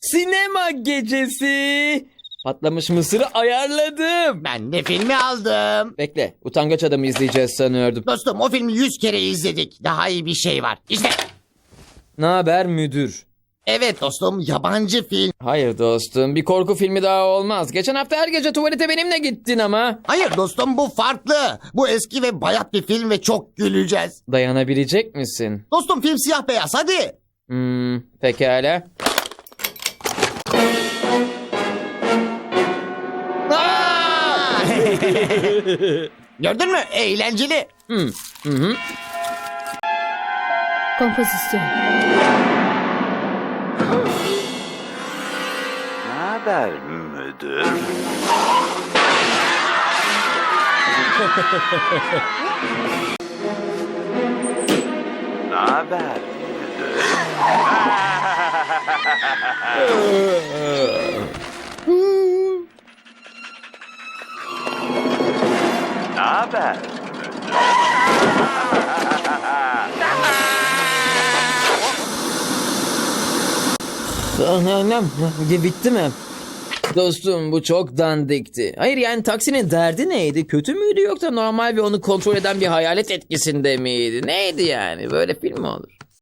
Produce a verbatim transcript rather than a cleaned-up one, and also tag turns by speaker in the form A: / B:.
A: Sinema gecesi. Patlamış mısırı ayarladım.
B: Ben de filmi aldım.
A: Bekle, utangaç adamı izleyeceğiz sanıyordum.
B: Dostum o filmi yüz kere izledik. Daha iyi bir şey var. İşte.
A: Ne haber müdür?
B: Evet dostum, yabancı film.
A: Hayır dostum, bir korku filmi daha olmaz. Geçen hafta her gece tuvalete benimle gittin ama.
B: Hayır dostum, bu farklı. Bu eski ve bayat bir film ve çok güleceğiz.
A: Dayanabilecek misin?
B: Dostum film siyah beyaz, hadi.
A: Hmm, pekala.
B: Aa! Gördün mü? Eğlenceli.
A: Hmm, hı hı.
C: Kompozisyon.
D: Ne haber müdür? Ne haber müdür? Ne haber?
A: Anam, bitti mi? Dostum bu çok dandikti. Hayır yani taksinin derdi neydi? Kötü müydü yoksa normal ve onu kontrol eden bir hayalet etkisinde miydi? Neydi yani? Böyle film mi olur?